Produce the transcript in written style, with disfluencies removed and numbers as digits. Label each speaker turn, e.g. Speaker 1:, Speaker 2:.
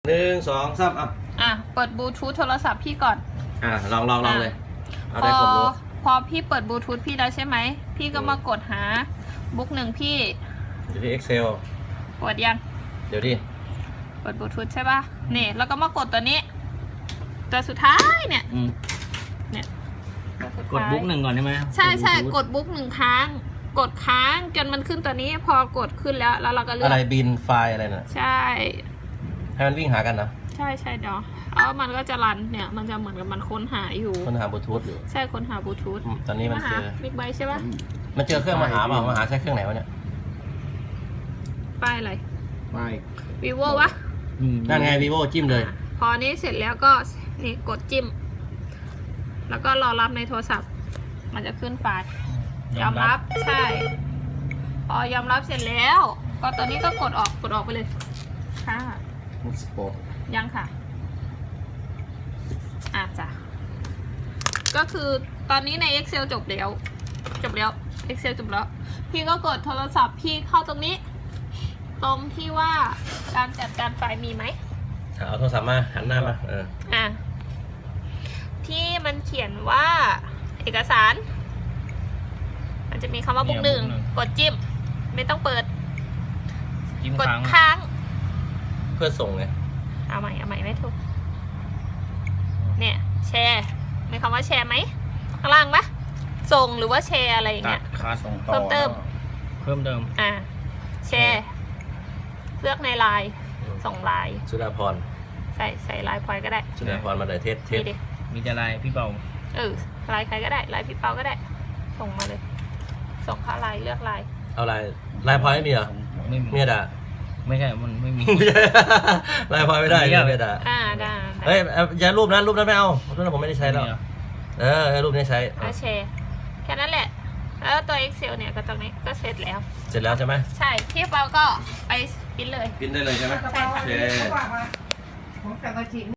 Speaker 1: 1 2 3
Speaker 2: เปิดบลูทูธโทรศัพท์พี่ก่อน
Speaker 1: ลองเลย
Speaker 2: พอพี่เปิดบลูทูธพี่แล้วใช่ไหมพี่ก็มากดหาบุ๊กหนึ่งพี่
Speaker 1: อยู่ที่ Excel
Speaker 2: กดยัง
Speaker 1: เดี๋ยวดิ
Speaker 2: เปิดบลูทูธใช่ป่ะนี่แล้วก็มากดตัวนี้ตัวสุดท้ายเนี่ย
Speaker 3: กดบุ๊กหนึ่งก่อนใช่ไหม
Speaker 2: ใช่กดบุ๊กหนึ่งครั้งกดค้างจนมันขึ้นตัวนี้พอกดขึ้นแล้วเราก็เลือก
Speaker 1: อะไรบินไฟล์อะไรน่ะ
Speaker 2: ใช่
Speaker 1: ให้มันวิ่งหากันนะ
Speaker 2: ใช่เดี๋ยวแล้วมันก็จะรันเนี่ยมันจะเหมือนกับมันค้นหาอยู่
Speaker 1: ค้นหาบลูทูธอยู่
Speaker 2: ใช่ค้นหาบลูทูธ
Speaker 1: ตอนนี้มันเจอ
Speaker 2: บิ๊กไบค์ใช่ป่ะ
Speaker 1: มันเจอเครื่องมาหาเปล่ามาหาใช้เครื่องไหนวะเนี่ย
Speaker 2: ป้ายอะไร
Speaker 3: ป้าย
Speaker 2: vivo วะ
Speaker 1: นั่นไง vivo จิ้มเลย
Speaker 2: พอนี้เสร็จแล้วก็นี่กดจิ้มแล้วก็รอรับในโทรศัพท์มันจะขึ้นไฟล์ยอมรับใช่พอยอมรับเสร็จแล้วก็ตัวนี้ก็กดออกไปเลยค่ะยังค่ะจ้ะก็คือตอนนี้ใน Excel จบแล้ว Excel จบแล้วพี่ก็กดโทรศัพท์พี่เข้าตรงนี้ตรงที่ว่าการจัดการไฟล์มีไหม
Speaker 1: เอาโทรศัพท์มาหันหน้ามา
Speaker 2: ที่มันเขียนว่าเอกสารมันจะมีคำว่าบุ๊กหนึ่งกดจิ้มไม่ต้องเปิดกดค้าง
Speaker 1: เพื่อส่งไง
Speaker 2: เอาใหม่ไม่ถูกเนี่ยแชร์มีคำว่าแชร์ไหมข้างล่างปะส่งหรือว่าแชร์อะไรอย่างเงี้ยเพิ่มเติมแชร์เลือกในไลน์ส่งไลน์
Speaker 1: สุดาพร
Speaker 2: ใส่ไลน์พลอยก็ได้
Speaker 1: สุดาพรมาเลยเทส
Speaker 3: มีจะไลน์พี่เปา
Speaker 2: ไลน์ใครก็ได้ไลน์พี่เปาก็ได้ส่งมาเลยส่งเข้าไลน์เลือกไลน์
Speaker 1: เอาไลน์พลอยไม่มีเหรอ
Speaker 3: ไม่มี
Speaker 1: ด่า
Speaker 3: ไม่ใช่มันไม่มี
Speaker 1: ไลน์พลอยไม่ได้ไม่ด่า
Speaker 2: ได้
Speaker 1: เฮ้ยอย่ารูปนั้นไม่เอารูปนั้นผมไม่ได้ใช้แล้วรูปนี้ใช้
Speaker 2: แชร์แค่นั้นแหละแล้วตัว Excel เนี่ยก็ตรงนี้ก็เสร็จแล้ว
Speaker 1: ใช่ไหม
Speaker 2: ใช่พี่เปาก็ไปพิมพ์เลย
Speaker 1: พิมพ์ได้เลยใช่ไหม
Speaker 2: ใช่